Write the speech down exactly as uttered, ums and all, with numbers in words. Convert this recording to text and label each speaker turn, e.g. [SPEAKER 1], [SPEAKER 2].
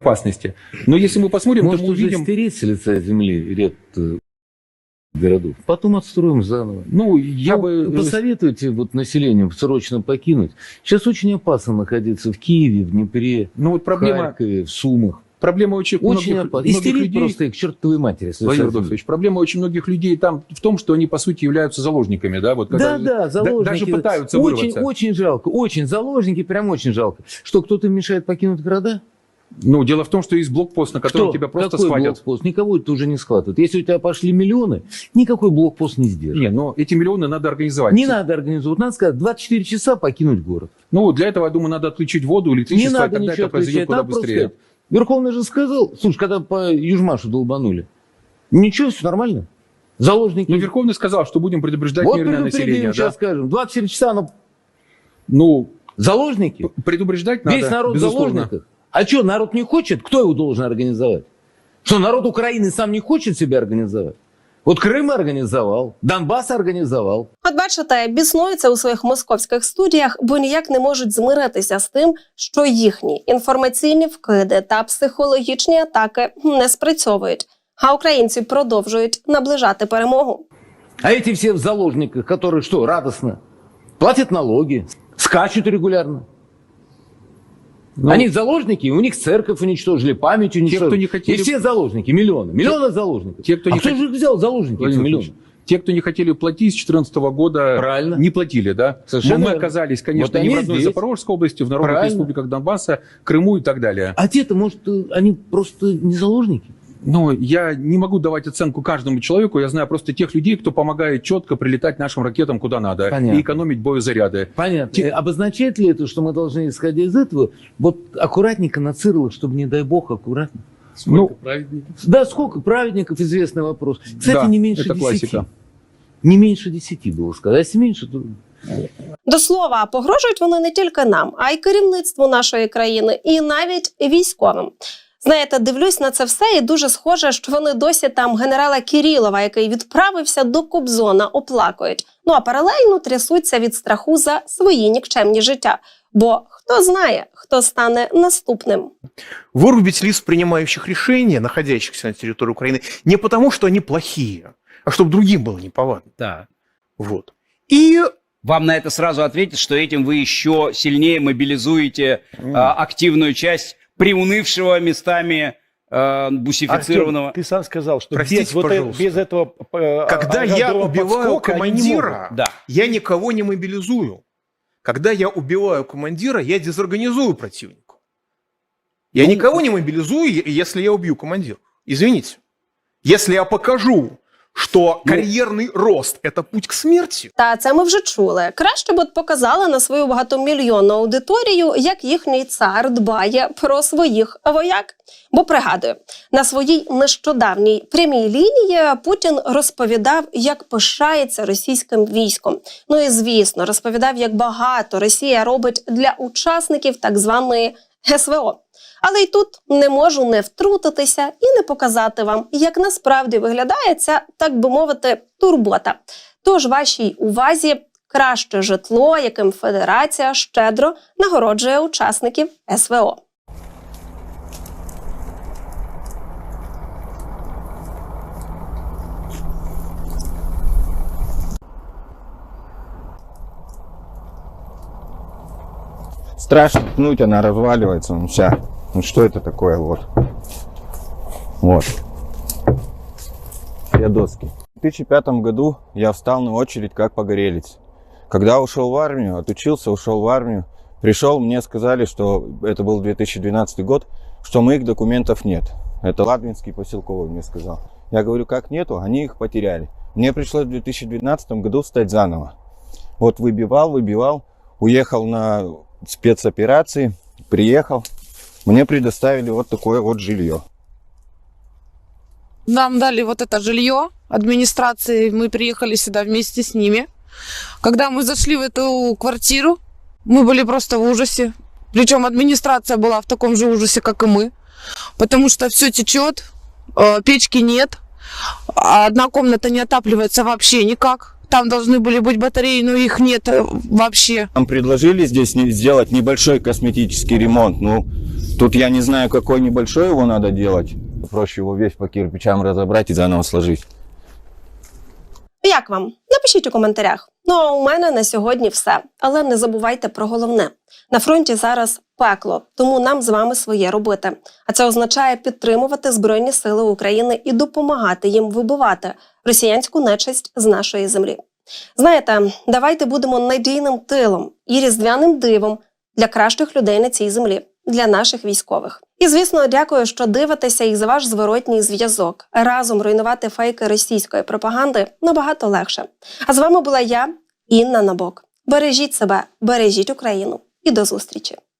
[SPEAKER 1] опасности. Но если мы посмотрим,
[SPEAKER 2] Может,
[SPEAKER 1] то мы
[SPEAKER 2] уже
[SPEAKER 1] увидим...
[SPEAKER 2] стереть с лица земли ряд э, городов. Потом отстроим заново.
[SPEAKER 1] Ну, я
[SPEAKER 2] ну,
[SPEAKER 1] бы...
[SPEAKER 2] Посоветуйте вот населению срочно покинуть. Сейчас очень опасно находиться в Киеве, в Днепре,
[SPEAKER 1] ну, вот проблема...
[SPEAKER 2] в Харькове, в Сумах.
[SPEAKER 1] Проблема очень,
[SPEAKER 2] очень
[SPEAKER 1] многих,
[SPEAKER 2] опасно.
[SPEAKER 1] многих
[SPEAKER 2] Истерить
[SPEAKER 1] людей...
[SPEAKER 2] просто их к чертовой матери.
[SPEAKER 1] Владимир Адольфович, проблема очень многих людей там в том, что они, по сути, являются заложниками. Да, вот,
[SPEAKER 2] да, да, заложники.
[SPEAKER 1] Даже пытаются
[SPEAKER 2] очень,
[SPEAKER 1] вырваться.
[SPEAKER 2] Очень жалко. Очень заложники, прям очень жалко. Что, кто-то мешает покинуть города?
[SPEAKER 1] Ну, дело в том, что есть блокпост, на котором
[SPEAKER 2] Кто?
[SPEAKER 1] тебя просто
[SPEAKER 2] Какой
[SPEAKER 1] схватят.
[SPEAKER 2] Блокпост? Никого это уже не схватывают. Если у тебя пошли миллионы, никакой блокпост не сдержит.
[SPEAKER 1] Не, но эти миллионы надо организовать.
[SPEAKER 2] Не надо организовать. Надо сказать, двадцать четыре часа покинуть город.
[SPEAKER 1] Ну, для этого, я думаю, надо отключить воду, электричество,
[SPEAKER 2] не надо
[SPEAKER 1] и тогда это произойдет куда быстрее.
[SPEAKER 2] Сказать, Верховный же сказал, слушай, когда по Южмашу долбанули, ничего, все нормально. Заложники.
[SPEAKER 1] Ну, Верховный сказал, что будем предупреждать
[SPEAKER 2] вот
[SPEAKER 1] мирное население.
[SPEAKER 2] Сейчас
[SPEAKER 1] да?
[SPEAKER 2] скажем, двадцать четыре часа, но...
[SPEAKER 1] Ну,
[SPEAKER 2] заложники.
[SPEAKER 1] Предупреждать надо,
[SPEAKER 2] весь народ в
[SPEAKER 1] безусловно.
[SPEAKER 2] заложниках. А что, народ не хочет? Кто его должен организовать? Что, народ Украины сам не хочет себя организовать? От Крим організував, Донбас організував.
[SPEAKER 3] От бачите, біснуються у своїх московських студіях, бо ніяк не можуть змиритися з тим, що їхні інформаційні вкиди та психологічні атаки не спрацьовують, а українці продовжують наближати перемогу.
[SPEAKER 2] А эти все в заложниках, которые что, радостно? Платят налоги, скачут регулярно. Ну, они заложники, у них церковь уничтожили, память уничтожили.
[SPEAKER 1] Те, кто не хотели...
[SPEAKER 2] И все заложники, миллионы. Миллионы те, заложников. Те, кто не а хот... кто же их взял заложники, эти миллионы?
[SPEAKER 1] Те, кто не хотели платить с две тысячи четырнадцатого года,
[SPEAKER 2] правильно,
[SPEAKER 1] не платили, да?
[SPEAKER 2] Совершенно
[SPEAKER 1] мы
[SPEAKER 2] верно.
[SPEAKER 1] оказались, конечно,
[SPEAKER 2] вот
[SPEAKER 1] не в родной
[SPEAKER 2] здесь.
[SPEAKER 1] Запорожской области, в народных
[SPEAKER 2] правильно.
[SPEAKER 1] республиках Донбасса, Крыму и так далее.
[SPEAKER 2] А те-то, может, они просто не заложники?
[SPEAKER 1] Ну, я не могу давать оценку каждому человеку, я знаю просто тех людей, кто помогает четко прилетать нашим ракетам куда надо. Понятно. И экономить боезаряды.
[SPEAKER 2] Понятно. Те... Обозначает ли это, что мы должны, исходя из этого, вот аккуратненько на Цирла, чтобы, не дай бог, аккуратно?
[SPEAKER 4] Сколько
[SPEAKER 2] ну,
[SPEAKER 4] праведников?
[SPEAKER 2] Да, сколько праведников, известный вопрос. Кстати,
[SPEAKER 1] да,
[SPEAKER 2] не меньше
[SPEAKER 1] это
[SPEAKER 2] десяти.
[SPEAKER 1] Классика.
[SPEAKER 2] Не меньше десяти было сказать. А если меньше, то...
[SPEAKER 3] До слова, погрожують вони не тільки нам, а й керівництву нашої країни, і навіть військовим. Знаєте, дивлюсь на це все і дуже схоже, що вони досі там генерала Кирилова, який відправився до Кобзона, оплакують. Ну а паралельно трясуться від страху за свої нікчемні життя. Бо хто знає, хто стане наступним.
[SPEAKER 5] Вырубить лиц, принимающих решения, находящихся на территории Украины, не потому, что они плохие, а чтобы другим было неповадно.
[SPEAKER 6] Да.
[SPEAKER 5] Вот. И...
[SPEAKER 6] Вам на это сразу ответят, что этим вы еще сильнее мобилизуете mm. а, активную часть приунывшего местами э, бусифицированного...
[SPEAKER 4] Артем, ты сам сказал, что
[SPEAKER 5] Простите,
[SPEAKER 4] без, вот это, без этого... Э,
[SPEAKER 5] Когда я убиваю командира,
[SPEAKER 6] да.
[SPEAKER 5] я никого не мобилизую. Когда я убиваю командира, я дезорганизую противника. Я ну, никого не мобилизую, если я убью командира. Извините. Если я покажу, що кар'єрний рост – це путь к смерті.
[SPEAKER 3] Та це ми вже чули. Краще б от показали на свою багатомільйонну аудиторію, як їхній цар дбає про своїх вояк. Бо, пригадую, на своїй нещодавній прямій лінії Путін розповідав, як пишається російським військом. Ну і, звісно, розповідав, як багато Росія робить для учасників так званої ес ве о. Але й тут не можу не втрутитися і не показати вам, як насправді виглядає ця, так би мовити, турбота. Тож вашій увазі краще житло, яким Федерація щедро нагороджує учасників ес ве о.
[SPEAKER 7] Страшно пнуть, она разваливается, ну вся. Ну что это такое, вот. Вот. Все доски. В две тысячи пятом году я встал на очередь как погорелец. Когда ушел в армию, отучился, ушел в армию, пришел, мне сказали, что это был две тысячи двенадцатый год, что моих документов нет. Это Ладвинский поселковый мне сказал. Я говорю, как нету? Они их потеряли. Мне пришлось в две тысячи двенадцатом году встать заново. Вот выбивал, выбивал, уехал на спецоперации, приехал. Мне предоставили вот такое вот жилье.
[SPEAKER 8] Нам дали вот это жилье администрации, мы приехали сюда вместе с ними. Когда мы зашли в эту квартиру, мы были просто в ужасе. Причем администрация была в таком же ужасе, как и мы. Потому что все течет, печки нет, одна комната не отапливается вообще никак. Там должны были быть батареи, но их нет вообще.
[SPEAKER 7] Нам предложили здесь сделать небольшой косметический ремонт. Ну, Тут я не знаю, какой небольшой его надо делать. Проще его весь по кирпичам разобрать и заново сложить.
[SPEAKER 3] Як вам? Напишіть у коментарях. Ну а у мене на сьогодні все. Але не забувайте про головне. На фронті зараз пекло, тому нам з вами своє робити. А це означає підтримувати Збройні Сили України і допомагати їм вибивати росіянську нечисть з нашої землі. Знаєте, давайте будемо надійним тилом і різдвяним дивом для кращих людей на цій землі, для наших військових. І, звісно, дякую, що дивитеся і за ваш зворотній зв'язок. Разом руйнувати фейки російської пропаганди набагато легше. А з вами була я, Інна Набок. Бережіть себе, бережіть Україну і до зустрічі!